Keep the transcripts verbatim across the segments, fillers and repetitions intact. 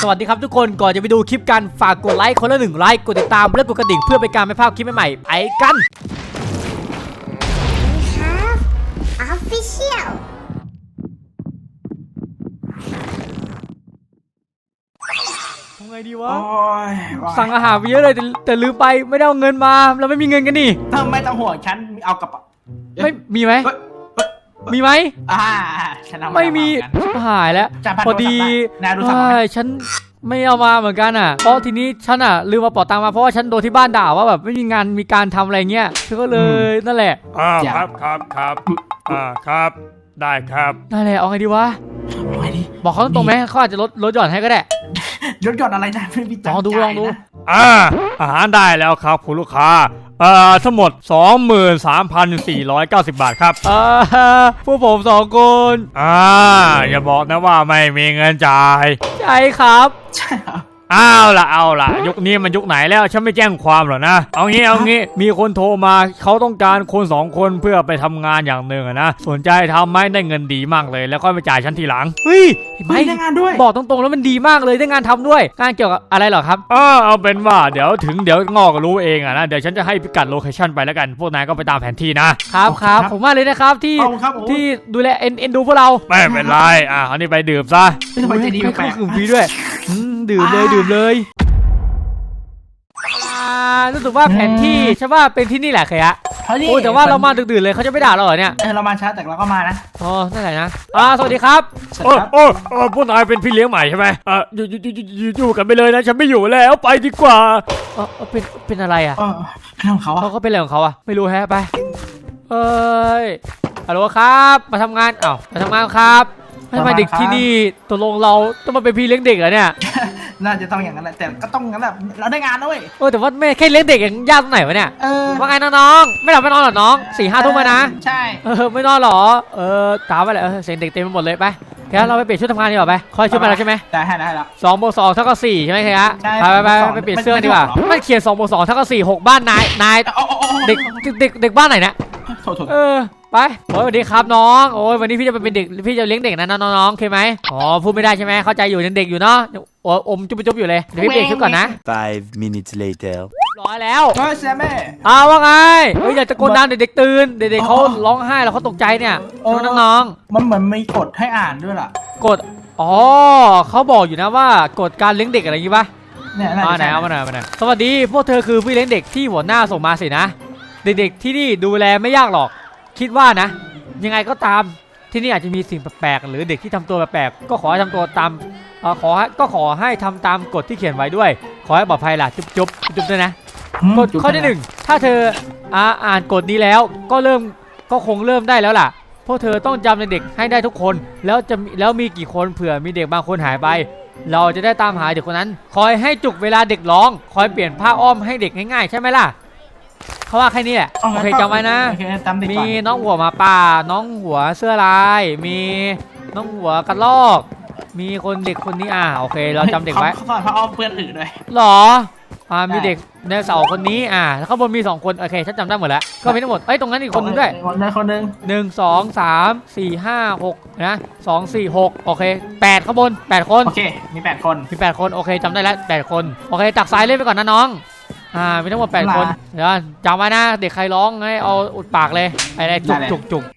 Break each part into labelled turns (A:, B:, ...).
A: สวัสดีครับทุกคนก่อนจะไปดูคลิปกันฝากกดไลค์คนละหนึ่งไลค์กดติดตามและกดกระดิ่งเพื่อเป็นการไม่พลาดคลิปใหม่ๆไปกัน
B: ครับ Official
A: ทำไงดีวะ
C: สั่
A: สั่งอาหารไปเยอะเลยแต่แต่ลืมไปไม่ได้เอาเงินมาเราไม่มีเงินกันนี่
C: ถ้าไม่ต้องห่วงฉันเอากระเป๋า
A: ไม่มีไหมมีไหม
C: อ่าฉันเอา
A: ไม่มีหายแล้วพอดีใช่ฉันไม่เอามาเหมือนกันอ่ะเพราะทีนี้ฉันอ่ะลืมมาเป๋าตังค์มาเพราะว่าฉันโดนที่บ้านด่าว่าแบบไม่มีงานมีการทำอะไรเงี้ยฉันก็เลยนั่นแหละ
D: อ่าครับครับครับอ่าครับได้ครับ
A: นั่นแหละเอาไงดีวะบอกเขาตรงไหมเขาอาจจะลดลดหย่อนให้ก็ได้
C: ลดหย่อนอะไรนะไม่มีตังค์
A: ลองดูลองดู
D: อ่าอาหารได้แล้วครับคุณลูกค้าเอ่อทั้งหมด สองหมื่นสามพันสี่ร้อยเก้าสิบ บาทครับ
A: อ่าพวกผมสองคน
D: อ่าอย่าบอกนะว่าไม่มีเงินจ่าย
A: ใช่ครับ
C: ใช่ครับ
D: เอาล่ะเอาล่ะยุคนี้มันยุคไหนแล้วฉันไม่แจ้งความหรอกนะเอางี้เอางี้มีคนโทรมาเขาต้องการคนสองคนเพื่อไปทำงานอย่างหนึ่งนะสนใจทำไหมได้เงินดีมากเลยแล้วก็ไปจ่ายฉันทีหลัง
A: เฮ้ยไม่
C: ได้งานด้วย
A: บอกตรงๆแล้วมันดีมากเลยได้งานทำด้วยงานเกี่ยวกับอะไรหรอครับ
D: เออเอาเป็นว่าเดี๋ยวถึงเดี๋ยวงอกรู้เองอะนะเดี๋ยวฉันจะให้พิกัดโลเคชั่นไปแล้วกันพวกนายก็ไปตามแผนที่นะครับ
A: ครับผมว่าเลยนะครับที่ที่ดูแลเอ็นเอ็นดูพวกเรา
D: ไม่เป็นไรอ่ะอันนี้ไปดื่มซะ
C: ไม่ไปดี
A: ไม่คือฟรีด้วยดื่มเลยดื่มเลยรู้สึกว่าแผนที่ใช่ว่าเป็นที่นี่แหละเคยะโอ้แต่ว่าเรามาดึกๆเลยเขาจะไม่ด่าเราเหรอเนี่ย
C: เออเรามาช้าแต่เราก็มานะ
A: อ๋อนั่นแหละนะอ่าสวัสดีครับ
D: โอ้โอ้โอ้พวกนายเป็นพี่เลี้ยงใหม่ใช่ไหมอ่ะอยู่อยู่อยู่อยู่กันไปเลยนะฉันไม่อยู่แล้วไปดีกว่า
A: เออเป็นเป็นอะไรอ่ะ
C: เออเรื่องของเขา
A: เขาก็เป็นอะไรของเขาอ่ะไม่รู้แฮะไปเอ้ยฮัลโหลครับมาทำงานอ้าวมาทำงานครับทำไมเด็กที่นี่ตกลงเราต้องมาเป็นพี่เลี้ยงเด็กเหรอเนี่ย
C: น่าจะต้องอย่างนั้นแหละแต่ก็ต้องงั้นแหละเราได้งานด้วย
A: เออแต่ว่าไม่แค่เลี้ยงเด็กยังยากตรงไหนวะเนี่ยเออว่าไงน้องๆไม่หลับไม่นอนหรอน้องสี่ห้าทุ่มนะ
C: ใช่
A: เออไม่นอนหรอเออตามไปเลยเออเสียงเด็กเต็มไปหมดเลยไปแค่เราไปเปลี่ยนชุดทำงานดีกว่าไปคอยชุดมาแล้วใช่ไหม
C: ได้ได้แล้ว
A: สองบวกสองเท่ากับสี่ใช่ไหมครับไปไปไปไปเปลี่ยนเสื้อดีกว่าไม่เขียนสองบวกสองเท่ากับสี่หกบ้านนายนายเด็กเด็กเด็กบ้านไหนเนี่ยเออไปโอ้ยสวัสดีครับน้องโอ้ยวันนี้พี่จะเป็นเด็กพี่จะเลี้ยงเด็กนะน้องๆโอเคไหมอ๋อพูดไม่ได้ใช่ไหมเข้าใจอยู่ยังเด็กอยู่เนาะโอ้อมจุ๊บจุ๊บอยู่เลยเดี๋ยวพี่เปลี่ยนชุดก่อนนะ
E: five minutes later
A: ร้อยแล้ว
C: เฮ้ยแม่
A: อ้าวว่าไงเฮ้ยอยากจะกดดันเด็กๆตื่นเด็กๆเขาร้องไห้แล้วเขาตกใจเนี่ยน้อง
C: ๆมันเหมือนมีกฎให้อ่านด้วยล่ะ
A: กฎอ๋อเขาบอกอยู่นะว่ากฎการเลี้ยงเด็กอะไรอย่างงี้ปะ
C: เนี่ย
A: มาไหนเอามาไหนมาไหนสวัสดีพวกเธอคือพี่เลี้ยงเด็กที่หัวหน้าส่งมาสินะเด็กๆที่นี่ดูแลไม่ยากหรอกคิดว่านะยังไงก็ตามที่นี่อาจจะมีสิ่งแปลกๆหรือเด็กที่ทำตัวแปลกๆก็ขอให้ทำตัวตามเอ่อขอก็ขอให้ทำตามกฎที่เขียนไว้ด้วยขอให้ปลอดภัยล่ะจุ๊บจุ๊บจุ๊บด้วยนะกฎข้อที่หนึ่งถ้าเธออ่าอ่านกฎนี้แล้วก็เริ่มก็คงเริ่มได้แล้วล่ะพวกเธอต้องจำเด็กให้ได้ทุกคนแล้วจะแล้วมีกี่คนเผื่อมีเด็กบางคนหายไปเราจะได้ตามหาเด็กคนนั้นคอยให้จุกเวลาเด็กร้องคอยเปลี่ยนผ้าอ้อมให้เด็กง่ายๆใช่ไหมล่ะเขาว่าแค่นี้แหละโอเคจำไว้นะมีน้องหัวหมาป่าน้องหัวเสื้อลายมีน้องหัวกระรอกมีคนเด็กคนนี้อ่าโอเคเราจำเด็กไว้
C: เขาสอนพระอ้อมเพื่อนอื่นด้วย
A: หรออ่ามีเด็กในเสาคนนี้อ่าแล้วข้างบนมีสองคนโอเคฉันจำได้หมดแล้วก็มีทั้งหมดเอ้ยตรงนั้นอีกคนนึงด้วย
C: คนนึงคนนึง
A: หนึ่งสองสามสี่ห้าหกนะสองสี่หกโอเคแปดข้างบนแปดคน
C: โอเคมีแปดคน
A: มีแปดคนโอเคจำได้แล้วแปดคนโอเคตักสายเล่นไปก่อนนะน้องอ่ามีทั้งหมดแปดคนเดี๋ยวจำไว้นะเด็กใครร้องให้เอาอุดปากเลยไอ้จุกจุกจุก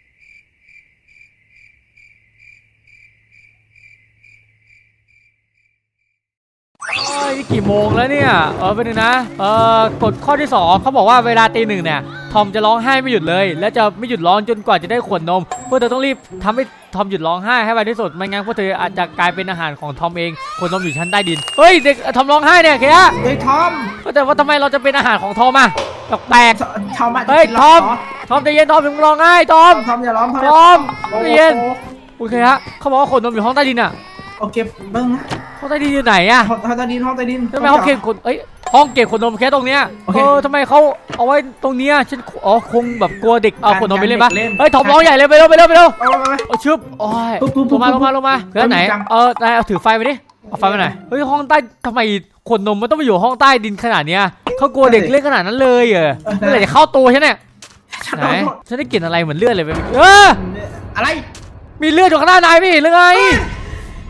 A: นี่กี่โมงแล้วเนี่ยเออเป็นนะเออกฎข้อที่สองเขาบอกว่าเวลาตีหนึ่งเนี่ยทอมจะร้องไห้ไม่หยุดเลยและจะไม่หยุดร้องจนกว่าจะได้ขวดนมพวกเธอต้องรีบทำให้ทอมหยุดร้องไห้ให้ไวที่สุดไม่งั้นพวกเธออาจจะกลายเป็นอาหารของทอมเองขวดนมอยู่ชั้นใต้ดินเฮ้ยเด็กทอมร้องไห้เนี่ยแค่
C: เฮ้ยทอม
A: แต่ว่าทำไมเราจะเป็นอาหารของทอมอ่ะแปลก
C: ทอม
A: เฮ้ยทอมทอมใจเย็นทอมถึงร้องไห้ทอม
C: ทอมอย่าร้อง
A: ทอมใจเย็นโอเคฮะเขาบอกว่าขวดนมอยู่ห้องใต้ดินอ่ะ
C: โอเคเบิ้งนะ
A: ห้องใต้ดินอยู่ไหนอะ
C: ห้องใต้ดินห้องใต้ดิน
A: ทำไมห้องเก็บคนเอ้ยห้องเก็บขนนมแค่ตรงเนี้ยเออทำไมเขาเอาไว้ตรงเนี้ยฉันอ๋อคงแบบกลัวเด็กเอาขนนมไปเล่นปะเฮ้ยถอมร้องใหญ่เลยไปเร็วไปเร็วไปเร็วเอาชึบโอ้ยลงมาลงมาลงมาเพื่อนไหนเออนายเอาถือไฟไปดิเอาไฟไปไหนเฮ้ยห้องใต้ทำไมขนนมมันต้องไปอยู่ห้องใต้ดินขนาดเนี้ยเขากลัวเด็กเล่นขนาดนั้นเลยเหรอเมื่อไหร่จะเข้าตัวฉันเนี่ยไหนฉันได้กลิ่นอะไรเหมือนเลือดเลยไปเออ
C: อะไร
A: มีเลือดอยู่ข้างหน้านายพี่หรือไง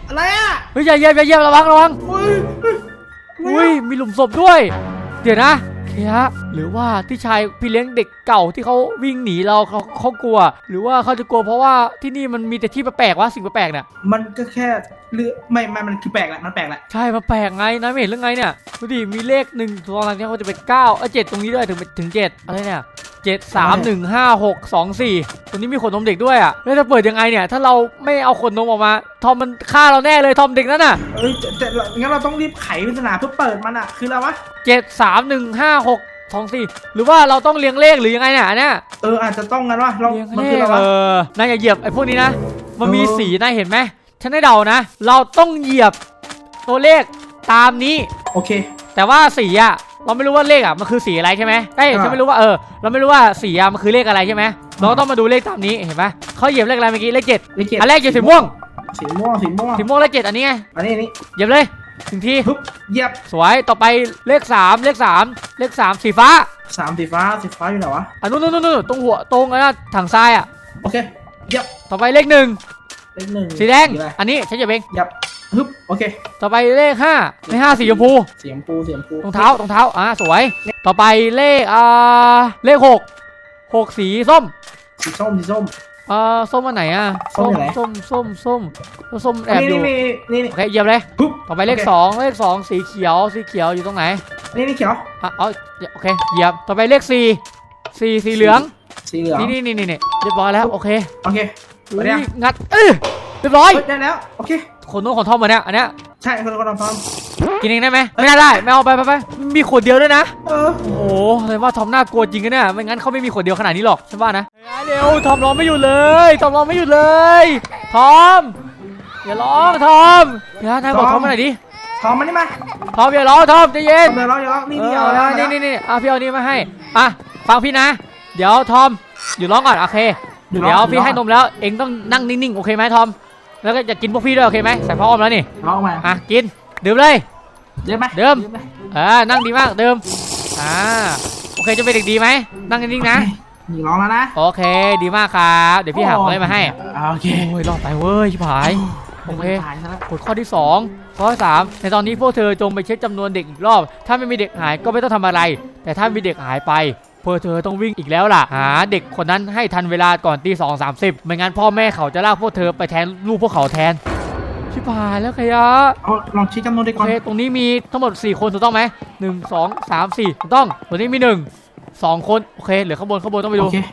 C: อะไรอ่ะ
A: เฮ้ยอย่าเหยียบอย่าเหยียบระวังระวัง
C: อุ้ยเฮ้ย
A: อุ้ยมีหลุมศพด้วย เดี๋ยวนะเคฮะหรือว่าที่ชายพี่เลี้ยงเด็กเก่าที่เขาวิ่งหนีเราเขาเขากลัว หรือว่าเขาจะกลัวเพราะว่าที่นี่มันมีแต่ที่แปลกๆวะสิ่งแปลกๆเนี่ย
C: มันก็แค่เลือไม่ไม่มันคือแปลกแหละมันแปลกแหละ
A: ใช่มันแปลกไงนะไม่เห็นเรื่องไงเนี่ยดูดิมีเลขหนึ่งตัวอะไรเนี่ยเขาจะเป็นเก้าเออเจ็ดตรงนี้ด้วยถึงถึงเจ็ดอะไรเนี่ยเจ็ดสามหนึ่งห้าหกสองสี่ตรงนี้มีขนนมเด็กด้วยอ่ะแล้วจะเปิดยังไงเนี่ยถ้าเราไม่เอาขนนมออกมาทอมมันฆ่าเราแน่เลยทอมเด็กนั่นน่ะ
C: เอ้ยแต่แต่งั้นเราต้องรีบไขปริศนาเพื่อเปิดมันอ่ะคืออะไรวะ
A: เจ็ดสามหนึ่งห้าหกสองสี่หรือว่าเราต้องเรียงเลขหรือยังไงเนี่ยอันเนี่ย
C: เอออาจจะต้องงั้นวะเรา
A: เรียง
C: มัน
A: เล
C: คือ
A: ข
C: อะไร
A: เอ
C: วะ
A: อนายอย่าเหยียบไอ้พวกนี้นะมันมี
C: เออ
A: สีนายเห็นไหมฉันได้เดานะ เราต้องเหยียบตัวเลขตามนี้
C: โอเค
A: แต่ว่าสีอะเราไม่รู้ว่าเลขอะมันคือสีอะไรใช่ไหมเอ้ย
C: อ่า
A: ฉันไม่รู้ว่าเออเราไม่รู้ว่าสีอะมันคือเลขอะไรใช่ไหมเราก็ต้องมาดูเลขตามนี้เห็นไหมเขาเหยียบเลขอะไรเมื่อกี้เลขเจ็ด
C: เลขเจ็ด
A: อันแรกเหยียบสีม่วง
C: สีม่วงสีม่วง
A: สีม่วงเลขเจ็ดอันนี้ไง
C: อันนี้อันนี้
A: เหยียบเลยถึงที
C: ปึ๊บเหยียบ
A: สวยต่อไปเลขสามเลขสามเลขสามสีฟ้า
C: สามสีฟ้าสีฟ้าอยู่ไหนวะ
A: อันนู้นนู้นนู้นตรงหัวตรงอันนั้นถังทรายอะ
C: โอเคเหยียบ
A: ต่อไปเลขหนึ่ง
C: เลขหนึ่ง
A: สีแดง
C: อะไร
A: อันนี้ฉันเหยียบเอง
C: เหยียบฮึบโอเค
A: ต่อไปเลขห้าเลขห้าสีชมพู
C: เสียงปูเสียงปู
A: รองเท้ารองเท้าอ่าสวย ต่อไปเลขอ่าเลขหกหกสีส้ม
C: สีส้มสีส้ม
A: อ่าส้มอันไหนอ่ะ
C: ส้มอยู่ไหน
A: ส้มส้มส้มส้มส้มแอบ
C: นี่
A: อยู่
C: นี่นี่นี่
A: โอเคเหยียบเลย
C: ปึ๊บ
A: ต่อไปเลข
C: โค
A: สองเลขสองสีเขียวสีเขียวอยู่ตรงไหน
C: นี่นี่เขียว
A: อ่ะเอาโอเคเหยียบต่อไปเลขสี่สี่สีเหลือง
C: สีเหลือง
A: นี่นี่นี่นี่นี่เรียบร้อยแล้วโอเค
C: โอเค
A: อุ๊
C: ไปเนี่ย
A: ยงัดเออเรียบร้อย
C: เฮ้ยได้แล้วโอเค
A: ขนนกขนทอมมาเนี่ยอันเนี้ย
C: ใช่คนละคนละพร้อม
A: กินเองได้ไหมไม่น่าได้ไม่เอาไปไปไปมีขวดเดียวด้วยนะ
C: เออ
A: โอ้โหเลยว่าทอมน่ากลัวจริงกันเนี่ยไม่งั้นเขาไม่มีขวดเดียวขนาดนี้หรอกฉันว่านะเร็วทอมร้องไม่หยุดเลยทอมร้องไม่หยุดเลยทอมอย่าร้องทอมเดี๋ยวนายบอกทอมมาหน่อยดิ
C: พร้อมมานี่มา
A: ทอมอย่าร้องทอมใจเย็น
C: เดี๋ยวเราเดี๋ยวเรานี่
A: เอ
C: นี่
A: อ
C: เอาแล้ว
A: นี่นี่นี่อ่ะพี่เอานี่มาให้อ่ะฟังพี่นะ เดี๋ยวทอมอยู่ร้องก่อนโอเคเดี๋ยวพี่ให้นมแล้วเองต้องนั่งนิ่งๆโอเคไหมทอมแล้วก็จะกินพวกพี่ด้วยโอเคไหมใส่พ่ออมแล้วนี่
C: ร้องมา
A: อ่ะกินดื่มเลย
C: เดิมไหม
A: เดิม
C: ไห
A: เออนั่งดีมากเดิมอ่าโอเคจะเป็นเด็กดีไหมนั่งนิ่งๆนะ
C: นี่ร้องแล้วนะ
A: โอเคดีมากครับเดี๋ยวพี่หาของอะไรมาให้
C: โอเค
A: โอ้ยรอดไปเว้ยชิบหายโอเค
C: ตายซะแล้ว
A: กฎข้อที่สองข้อที่สามในตอนนี้พวกเธอจงไปเช็คจำนวนเด็กอีกรอบ ถ้าไม่มีเด็กหายก็ไม่ต้องทำอะไร แต่ถ้ามีเด็กหายไปพวกเธอต้องวิ่งอีกแล้วล่ะหาเด็กคนนั้นให้ทันเวลาก่อนตีสองสามสิบไม่งั้นพ่อแม่เขาจะลากพวกเธอไปแทนลูกพวกเขาแทนชิบหายแล้วขยะ
C: เอาลองชี้จำนวนเด็ก
A: โอ
C: ก่อน
A: เคตรงนี้มีทั้งหมดสี่คนถูกต้องไหมหนึ่งสองสามสี่ถูกต้องตรงนี้มีหนึ่งสองคนโอเคเหลือข้างบนข้างบนต้องไปดู
C: โอเค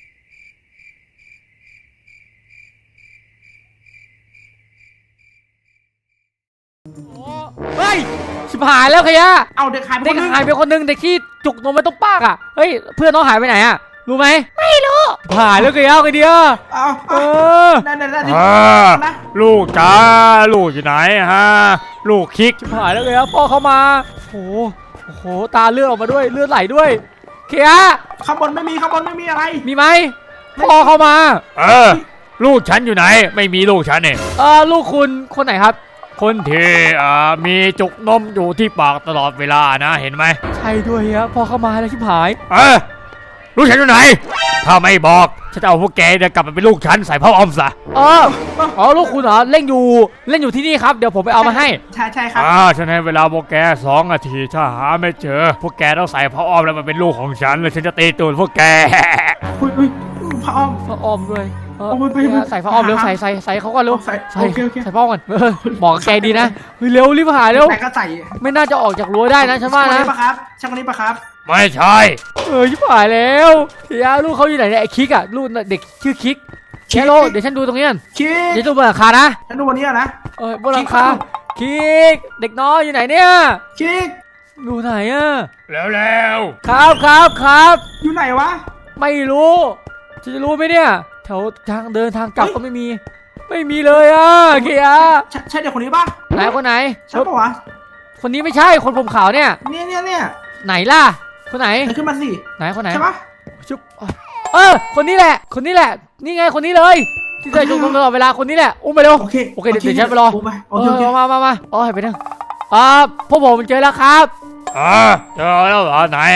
A: เฮ้ยชิบหายแล้วขยะ
C: เอาเด็กหายไป
A: เด็ก
C: คนนึง
A: หายไปคนหนึงเด็กที่จุกนมไม่ต้องปากอ่ะเฮ้ยเพื่อนน้องหายไปไหนอ่ะรู้ไหมไม่รู้หายแล้วขยะไอเดีย
C: เอา
A: เอ
C: เอา
A: อ
C: ได้ได้ได้
D: อ่า
C: นะ
D: ลูกจ้าลูกอยู่ไหนฮะลูกคิก
A: ชิบหายแล้วขยะพ่อเข้ามาโอ้โหโอ้โหตาเลือดออกมาด้วยเลือดไหลด้วยขยะ
C: ข้างบนไม่มีข้างบนไม่มีอะไร
A: มีไหมพ่อเข้ามา
D: เออลูกฉันอยู่ไหนไม่มีลูกฉันเนี่ย
A: เออลูกคุณคนไหนครับ
D: คนที่อ่ามีจุกนมอยู่ที่ปากตลอดเวลานะเห็นไหม
A: ใช่ด้วยฮะพ่อเข้ามาแล้วชิบหาย
D: เออลูกฉันอยู่ไหน ถ้าไม่บอกฉันจะเอาพวกแกเนี่ยกลับไปเป็นลูกฉันใส่พ่อออมซะ
A: เอออ๋อลูกคุณเหรอเล่นอยู่เล่นอยู่ที่นี่ครับเดี๋ยวผมไปเอามาให้
C: ใช่ใช่ครับ
D: อ่าฉันให้เวลาพวกแกสองนาทีถ้าหาไม่เจอ พวกแกต้องใส่พ่อออมแล้วมันเป็นลูกของฉันแล้วฉันจะตีตูดพวกแก
C: อุ้ยอุ้ยพระอ้อม
A: พระออมด้วยเออ
C: โอ้ยไปไป
A: ใส่พระออมเร็วใส่ใส่ใส่เขาก่อนเร็ว
C: ใส่
A: ใส่
C: โอเคโอเค
A: ใส่พระออมก่อนเออบอกกับแกดีนะเฮ้ยเร็วรีบหาเร็ว
C: แต่ก็ใส่
A: ไม่น่าจะออกจากรั้วได้นะฉันว่า
C: ช่างคน
A: นะ
C: นี้ปะครับช่างคนนี้ปะครับ
D: ไม่ใช่
A: เออชิบหายแล้วเฮียลูกเขาอยู่ไหนเนี่ยไอ้คิกอะลูกเด็กชื่อคิกแคโรเดี๋ยวฉันดูตรงนี้กัน
C: คิก
A: เดี๋ยวดูบนหลังคานะ
C: ฉันดูวันนี้อะนะ
A: เออบนหลังคาคิกเด็กน้อยอยู่ไหนเนี่ย
C: คิก
A: อยู่ไหนอะ
D: แล้วแล้ว
A: ครับครับครับ
C: อยู่ไหนวะ
A: ไม่รู้จะจะรู้ไหมเนี่ยแถวทางเดินทางกลับก็ไม่มี ไม่มีเลยอ่ะเกียร์
C: ใช่ใช่เด็กคนนี้ปะ
A: ไหนคนไหน
C: ใช่ปะวะ
A: คนนี้ไม่ใช่คนผมขาวเนี่ย
C: เนี่ยเนี่ยเนี่ย
A: ไหนล่ะคนไหน
C: ไหนขึ้นมาสิ
A: ไหนคนไหน
C: ใช่ปะ
A: ชุบเออคนนี้แหละ คนนี้แหละ นี่ไงคนนี้เลย ที่ใส่ชุดตลอดเวลาคนนี้แหละอุ้มไปเร็ว
C: โอเค
A: โอเคเดี๋ยวเดี๋ยวฉันไปรอ
C: โอเคโอ
A: เอ
C: เคโอเค
A: อมามามาโอ้ยไปนั่งอ่าพวกผมเจอแล้วครับ
D: อ่าเจอแล้วเหรอไหนอ่ะ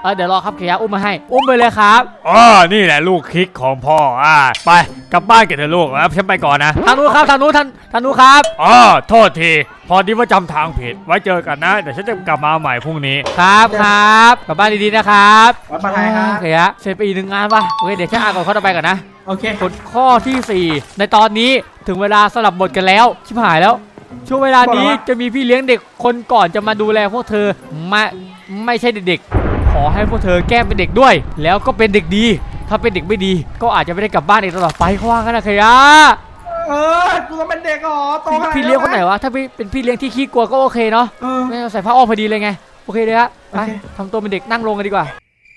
A: เออเดี๋ยวรอครับเขียอุ้มมาให้อุ้มไปเลยครับ
D: อ๋อนี่แหละลูกคิกของพ่ออ่าไปกลับบ้านกันเถอะลูกครับฉันไปก่อนนะ
A: ทางนู้นครับทางนู้นทางทางนู้นครับ
D: อ๋อโทษทีพอดีว่าจำทางผิดไว้เจอกันนะเดี๋ยวฉันจะกลับมาใหม่พรุ่งนี้
A: ครับครับกลับบ้านดีๆนะครับ
C: วัดปลาไทยครับ
A: เขียเสร็จไปอีกหนึ่งงานป่ะโอเคเดี๋ยวฉันอ่านก่อนข้อต่อไปก่อนนะ
C: โอเค
A: กฎข้อที่สี่ในตอนนี้ถึงเวลาสลับบทกันแล้วชิบหายแล้วช่วงเวลานี้จะมีพี่เลี้ยงเด็กคนก่อนจะมาดูแลพวกเธอไม่ไม่ใช่เด็กๆขอให้พวกเธอแก้เป็นเด็กด้วย แล้วก็เป็นเด็กดีถ้าเป็นเด็กไม่ดี ก็อาจจะไม่ได้กลับบ้านอีกตลอดไปเขาว่ากันนะเขีย
C: เออกูจะเป็นเด็กเหรอโตขนาด
A: พี่เลี้ยงคนไหนวะถ้าเป็นพี่เลี้ยงที่ขี้กลัวก็โอเคเนาะ
C: เออ
A: ไม่ต้องใส่ผ้าอ้อมพอดีเลยไงโอเคเลยฮะไป
C: โอเค
A: ทำตัวเป็นเด็กนั่งลงกันดีกว่า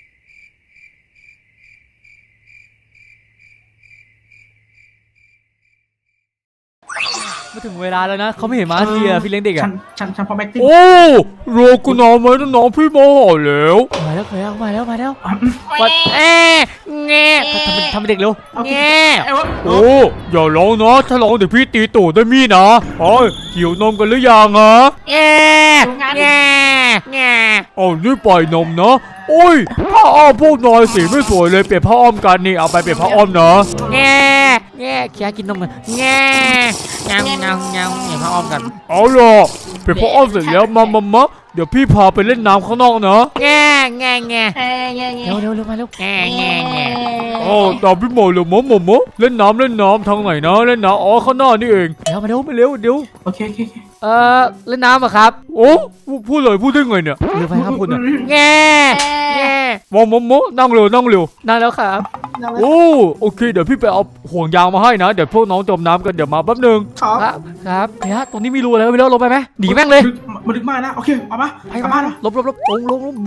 A: มาถึงเวลาแล้วนะเขาไม่เห็นมาทีอะพี่เลี้ยงเด็ก
C: ฉั
A: อะ
C: นฉันฉันพอแม็กติ้ง
D: โอ้รอกูนอนไหมน้องพี่โมโหแล้ว
A: มาแล้วมาแล้วมาแล้วมาแล้ววัดแอะแง่ทำเป็นทำเป็นเด็กเร็วแง่
C: ไอ้วะ
D: โอ้อย่าร้องนะถ้าร้องเดี๋ยวพี่ตีตูดด้วยมีดนะโอ้ยหิวนมกันหรือยังอะ
A: แง่แง่แง่
D: เอานี่ปล่อยนมนะโอ้ยผ้าอ้อมพวกนอยสีไม่สวยเลยเปลี่ยนผ้าอ้อมกันนี่เอาไปเปลี่ยนผ้าอ้อมนะ
A: แง่แง่เคียกินนมกันแง่เงาเงาเงาเนี่ยมาอ้อมกัน
D: เอาล่ะเปลี่ยนผ้าอ้อมเสร็จแล้วมามามาเดี๋ยวพี่พาไปเล่นน้ำข้างนอกนะ
A: แง่แง่แง่
B: เอ้ยเย้เย้
A: เร็วเร็วเร็วมาเร็วแง่แง่แง่
D: โอ้ตามพี่โมเลยมะมะมะเล่นน้ำเล่นน้ำทางไหนนะเล่นน้ำอ๋อข้างหน้านี่เอง
A: เร็วมาเร็วมาเร็วเดี๋ยว
C: โอเคโอเคโอเค
A: เอ่อเล่นน้ำอะครับ
D: โอ้พูดเลยพูดได้ไงเนี่ย
A: เร็วไปครับคุณอะแง่แง่
D: มามะมะนั่งเร็วนั่งเร็ว
A: นั่นแล้วครับ
D: โอ้โอเคเดี๋ยวพี่ไปเอาห่วงยางมาให้นะเดี๋ยวพวกน้องจมน้ำกันเดี๋ยวมาแป๊บนึง
C: ครับ
A: ครับครับเฮ้ยตรงนี้มีรูอะไรไม่รู้ลงไปไหมหนีแม่งเลย
C: มาดึกมากนะโอเคเอามา
A: ไป
C: กลับ
A: มา
C: บ้านนะ
A: ลบลบลบลงลงลง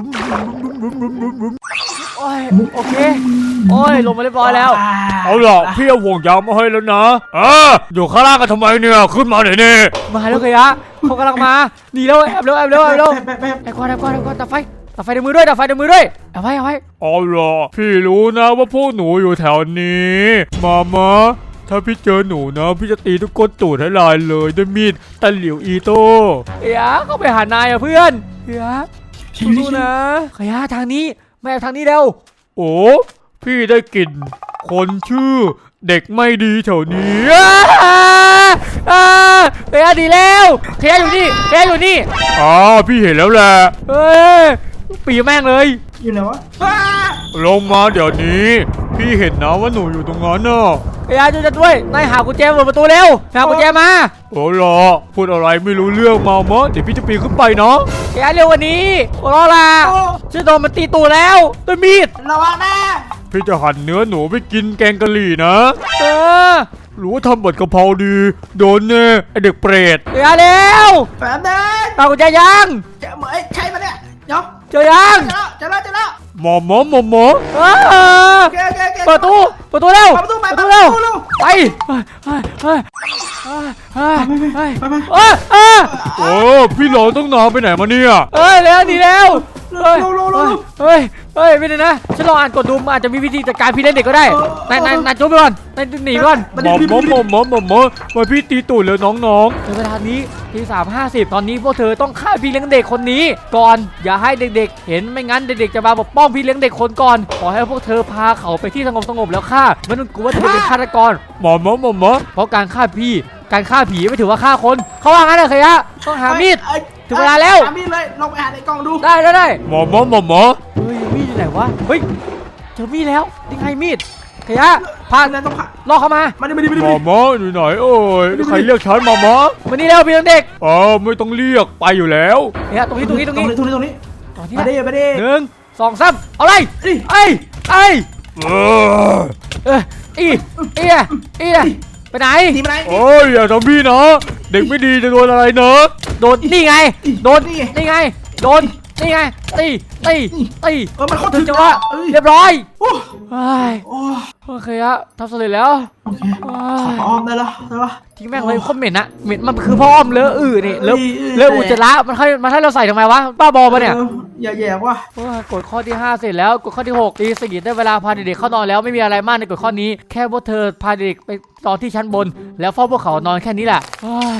A: โอ้ยโอเคโอ้ยลงมาเรียบร้อยแล้ว
D: เอาล่ะพี่เอาห่วงยางมาให้แล้วนะเอออยู่ข้างล่างกันทำไมเนี่ยขึ้นมาเดี๋ยวนี้
A: มาแล้วเฮียเขากำลังมาหนีแล้วแอบเร็วแอบเร็วแอบเร็ว
C: แป๊บแป๊บ
A: แอบก่อนแอบก่อนแอบก่อนดับไฟดับไฟในมือด้วยดับไฟในมือด้วยเอาไว้เอาไว้
D: เอาล่ะพี่รู้นะว่าพวกหนูอยู่แถวนี้มามาถ้าพี่เจอหนูนะพี่จะตีทุกคนตูดให้ลายเลยด้วยมีดตะหลิวอีโต้
A: เฮียเขาไปหานายอ่ะเพื่อนเฮียสู้ๆนะเฮียทางนี้ไม่เอาทางนี้เร็ว
D: โอ้พี่ได้กลิ่นคนชื่อเด็กไม่ดีแถวนี้
A: อ้าอ้าเฮียดีแล้วเฮียอยู่นี่เฮียอยู่นี่
D: อ๋อพี่เห็นแล้วแหละ
A: เฮ้ยปีแม่งเลย
C: อยู่ไหนวะอ้า
D: ลงมาเดี๋ยวนี้ พี่เห็นนะว่าหนูอยู่ตรงนั้นน่ะ
A: เฮียช่วยฉันด้วยนายหากุญแจเปิดประตูเร็วหากุญแจมา
D: โอ้ล่ะพูดอะไรไม่รู้เรื่องมามะเดี๋ยวพี่จะปีนขึ้นไปเนาะ
A: เฮียเร็วกวันนี้โอ้รอล่ะฉันโดนมันตีตูดแล้วด้วยมีด
C: ระวังนะ
D: พี่จะหั่นเนื้อหนูไปกินแกงกะหรี่นะ
A: เออ
D: หรือว่าทำบัตรกะเพราดีโดนแน่ไอเด็กเปรต
A: เฮียเร็ว
C: แป๊บนึง
A: หากุญแจยัง
C: เจะเหมยใช่ปะเนี่ยเดี๋ยว
A: เจอยัง
C: เจอแล้วเจอแล้วเจอแล้ว
D: หมอหมอหมอหมอ
A: เออ
C: โอเคโอเคโอเค
A: เปิดตู้เปิดตู้เร็ว
C: เปิดประตูไป
A: เปิด
C: เปิ
A: ตู้
C: ด
A: เร็ว
C: ประตูเร็ว
A: ไปเฮ้ยเฮ้ยเฮ้ยเฮ้ย
C: ไปไป
A: เฮ้ยเฮ้ย
D: โอ้พี่หลอต้องนอนไปไหนมาเนี่ย
A: เฮ้ยเร็วหนีเร็วเฮ้ย
C: เร็วเร็วเร็วเร็ว
A: เฮ้ยเฮ้ยไม่ได้นะฉันลองอ่านกดดูมันอาจจะมีวิธีจัดการพี่เล่นเด็กก็ได้นายนายนายจุ๊บไปก่อนนายหนีไปก่อน
D: หมอหมอหมอหมอหมอหมอมาพี่ตีตูดเลยน้อง
A: ในเวลานี้ทีสามห้าสิบตอนนี้พวกเธอต้องฆ่าพี่เลี้ยงเด็กคนนี้ ก่อนอย่าให้เด็กๆ เห็นไม่งั้นเด็กๆจะมาปกป้องพี่เลี้ยงเด็กคนก่อนขอให้พวกเธอพาเขาไปที่สงบสงบๆแล้วฆ่าไม่ต้องกลัวว่าจะเป็นฆาตกร
D: ๆหมอหมอหมอหมอ
A: เพราะการฆ่าพี่การฆ่าผีไม่ถือว่าฆ่าคนเขาว่างั้นเหรอเคยะต้องหามีด
C: เอ้ย
A: ถึงเวลาแล้ว
C: หามีดเลยลองไปหาในกล่องดู
A: ได้ได้ได้
D: หมอหมอหมอหมอ
A: เฮ้ยมีดอยู่ไหนวะเฮ้ยเจอมีดแล้วนี่ไงมีดเคยะพา
C: นั่นต้องผ่า
A: ล่อเข้ามา
C: มาดิมาดิมาดิ
D: หม
C: มา
D: อ
C: ดิ
D: หมออยู่ไหนเอ้ยใครเรียกฉันหมอหมอ
A: มานี่เร็วพี่เลี้ยงเด็ก
D: เออไม่ต้องเรียกไปอยู่แล้ว
A: เนี่ยตรงนี้ตรงนี้ตรงนี้
C: ตรงนี้ตรงนี้
A: ตรงนี้
C: มาดิมาดิ
A: หนึ่งสองสามเอาเลย
C: ดิ
A: ไอ้ไอ้
D: เออ
A: เอออีเอียเอียไปไหน
C: หนีมาไหน
D: โอ้ยอย่าทำพี่นะเด็กไม่ดีจะโดนอะไรเนอะ
A: โดนนี่ไงโดน
C: นี่ไง
A: นี่ไงโดนนี่ไงตีตีตี
C: เออมันโคตร
A: ถึ
C: ถึ
A: ง
C: ง
A: จังหวะ
C: เอ้ย
A: เรียบร้อย
C: โอ้
A: เฮ้ย
C: โอ้
A: โอเคอะทำสำเร็จแล้ว
C: โอเค
A: เฮ้ย
C: ออมได้แล้วได้ปะ
A: ทิ้งแม่งเลยโคตรเหม็นอะเหม็นมันคือพ่ออ้อมเลอะอืดนี่เลอะ
C: เอ้ยเอ้ย
A: เลอะอุจจาระมันให้มันให้เราใส่ทำไมวะบ้าบอปะเนี่ย
C: อออย่าแย่ว่ะ
A: โอ้ยกฎข้อที่ห้าเสร็จแล้วกฎข้อที่หกตีสี่ได้เวลาพาเด็กๆเข้านอนแล้วไม่มีอะไรมากในกฎข้อนี้แค่พวกเธอพาเด็กไปนอนที่ชั้นบน แล้วเฝ้าพวกเขานอนแค่นี้แหละโอ้ย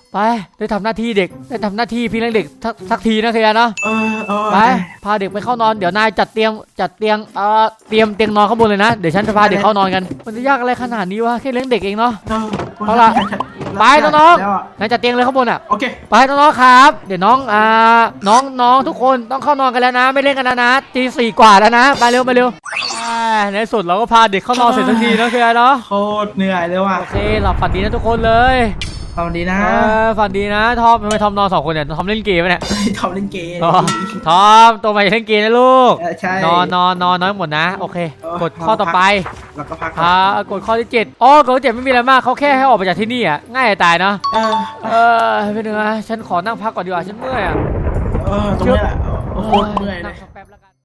A: ไปได้ทำหน้าที่เด็กได้ทำหน้าที่พี่เลี้ยงเด็กสักสักทีนะเคลียร์เนาะ
C: เออเออ
A: ไปพาเด็กไปเข้านอนเดี๋ยวนายจัดเตียงจัดเตียงเอ่อเตรียมเตียงนอนข้างบนเลยนะเดี๋ยวฉันจะพาเด็กเข้านอนกันมันจะยากอะไรขนาดนี้วะแค่เลี้ยงเด็กเองเนาะ
C: เออ
A: เอาล่ะไปน้องๆ
C: แล้วะ
A: นายจัดเตียงเลยข้างบนอ่ะ
C: โอเค
A: ไปน้องๆครับ เดี๋ยวน้องอ่าน้องน้องทุกคนต้องเข้านอนกันแล้วนะ ไม่เล่นกันแล้วนะตีสี่กว่าแล้วนะไปเร็วไปเร็วอ่าในที่สุดเราก็พาเด็กเข้านอนเสร็จทันทีนะเคลียร์เนาะ
C: โคตรเหนื่อยเลยว่ะ
A: โอเคหลับฝันดีนะทุกคนเลย
C: สวัสดีนะ
A: เออฝันดีนะทอมทำไมทอมนอนสองคนเนี่ยทอมเล่นเกมไหมเนี่ย
C: ทำเล่นเกม
A: อ๋อทอมตัวใหม่เล่นเกมนะลูก
C: เออใช่
A: นอนนอนนอนน้อยหมดนะโอเค
C: เออก
A: ดข้อต่อไป
C: แล้วก็พักก่อน
A: อ่ากดข้อที่เจ็ดอ๋อกดข้อที่เจ็ดไม่มีอะไรมากเขาแค่ให้ออกไปจากที่นี่อ่ะง่ายจะตายเนาะ
C: เออ
A: เออเป็นไงฉันขอนั่งพักก่อนดีกว่าฉันเมื่อยอ่ะ
C: เออตรงนี้แหละโอ้โหเหนื่อยเล
A: นั่ง
C: ย
A: สักแป๊บแล้วกัน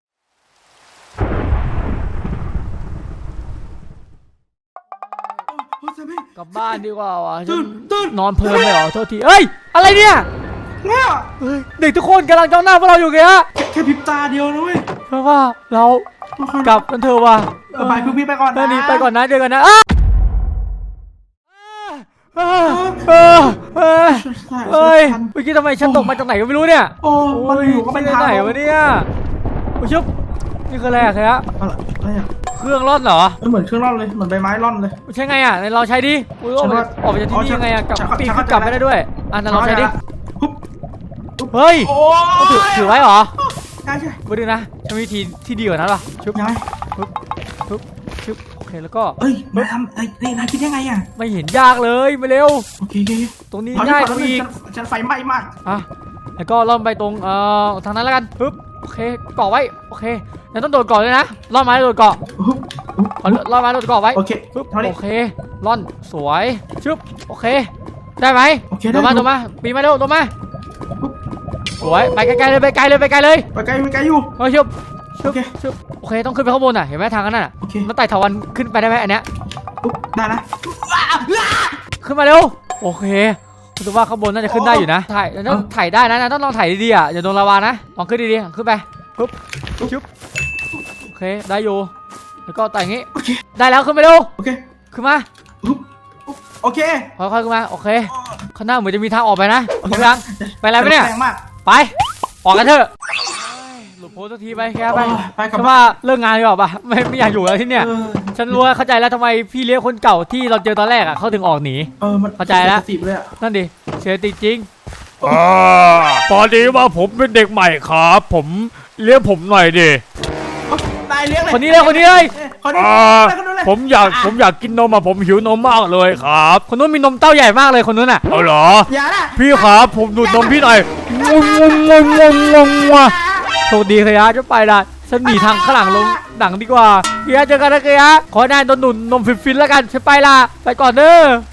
A: กลับบ้านดีกว่าว่ะฉั
C: ตื่
A: น
C: นตื่น
A: นอนเพลินไปเหรอโทษทีเอ้ยอะไรเนี่ย
C: เนี่ย
A: เฮ้ยเด็กทุกคนกำลังจ้องหน้าพวกเราอยู่แกฮะ
C: แค่แค่พริบตาเดียวนะเว้ย
A: เพราะว่าเรากลับกันเถอะว่ะ
C: เออไปพึ่งพี่ไปก่อน
A: เอ
C: นะ
A: อหนีไปก่อนนะเจอกันนะอ้าเออเออเออ
C: ใช่
A: เอ้ย
C: ทัน
A: เมื่อกี้ทำไมฉันตกมาจากไหนก็ไม่รู้เนี่ย
C: โอ้มันอยู่ก็เป็น
A: ที่
C: ทาง
A: ไหนวะเนี่ยโอ้ยชุบนี่คืออะไรอะครับ
C: อะไรอะไรอ่ะ
A: เครื่องร่อนเหรอ
C: มันเหมือนเครื่องร่อนเลยเหมือนใบไม้ร่อนเลย
A: ใช่ไงอ่ะไหนลองใช้ดิอุ้ยออกมาออกมาจากที่นี่ยังไงอ่ะกลับ
C: ฉันเข้า
A: ปีน
C: ฉัน
A: ขึ้
C: เข้าน
A: กลับไม่ได้ด้วยอ่ะนั่นลองใช้ดิ
C: ปุ๊บ
A: เฮ้ย
C: โอ้
A: ต้องถือถือไว้เหรอ
C: ใช่ใช่
A: มาดูนะฉันมีวิธีที่ดีกว่านั้นป่ะชุบ
C: ยังไง
A: ชุบชุบโอเคแล้วก็
C: เอ้ยมาทำไอ้นี่นายคิดยังไงอ่ะ
A: ไม่เห็นยากเลยมาเร็ว
C: โอเคโอเค
A: ตรงนี้
C: เอ
A: ง่ายก
C: ก่อน
A: ว่าอีก
C: ฉันฉันไฟไหม้มาก
A: อ่ะแล้วก็ล่อนไปตรงเอ่อทางนั้นแล้วกันปึ๊บโอเคเกาะไว้โอเคแล้วต้องโดดเกาะเลยนะล่อนไม้โดดเกาะ
C: อุ๊บอุ๊บ
A: เอาล่อนไม้โดดเกาะไว้
C: โอเค
A: ปึ๊บ
C: เท่านี้
A: โอเคล่อนสวยชึบโอเคได้ไหม
C: โอเค
A: โดดมา
C: ได้
A: โดดมาปีนมาเร็วโดดมา
C: ปุ๊บ
A: สวยไปไกลๆเลยไปไกลเลยไปไกลเลย
C: ไปไกลไปไกลอยู่
A: เฮ้ยชึบชึบ
C: โอเค
A: ชึบโอเคต้องขึ้นไปข้างบนอ่ะเห็นไหมทางนั้นน่ะ
C: โอเค
A: แล้วไต่ถาวันขึ้นไปได้ไหมอันเนี้ย
C: ปุ๊บได้นะ
A: ขึ้นมาเร็วโอเครู้สึกว่าข้างบนน่าจะขึ้นได้อยู่นะถ่ายต้องถ่ายได้นะนะต้องลองถ่ายดีๆอ่ะอย่าโดนลาวานะลองขึ้นดีๆขึ้นไปปุ๊บชึบโอเคได้อยู่แล้วก็ไต่อย่างงี้
C: โอเค
A: ได้แล้วขึ้นไปเร็ว
C: โอเค
A: ขึ้นมา
C: ปุ๊บปุ๊บโอเค
A: ค่อยๆขึ้นมาโอเคข้างหน้าเหมือนจะมีทางออกไปนะโอเคยังไปอะไรไปเนี่ย
C: แรงมาก
A: ไปออกกันเถอะหลุดโพสต์สักทีไปแค่ไป
C: โอ้ยไปกลับ
A: ฉันว่าเลิกงานดีกว่าปะไม่ไม่อยากอยู่แล้วที่เนี่ย
C: เออ
A: ฉันรู้ว่าเข้าใจแล้วทำไมพี่เลี้ยงคนเก่าที่เราเจอตอนแรกอ่ะเขาถึงออกหนี
C: เออมัน
A: เข้าใจแล้ว
C: สิบเลยอ่ะ
A: นั่นดิเสียติจริง
D: อ่าพอดีว่าผมเป็นเด็กใหม่ครับ ผมเลี้ยงผมหน่อยดิ
C: นายเลี้ยงเลย
A: คนนี้เลยคนนี้เลย
C: เอ้ยคนนี้
D: อ่า
C: ไปคนนู้นเลย
D: ผมอยากผมอยากกินนมอ่ะผมหิวนมมากเลยครับ
A: คนนู้นมีนมเต้าใหญ่มากเลยคนนู้นอ่ะ
D: เอาเหรอ
C: อย่านะ
D: พี่ครับผมดูดนมพี่หน่อยงงงงงงงงว่ะ
A: โชคดีเคยะจะไปละฉันหนีทางข้างหลังลงหนังดีกว่าเคยะเจอกันนะเคยะขอให้นายโดนหนุนนมฟินๆแล้วกันฉันไปละไปก่อนเด้อ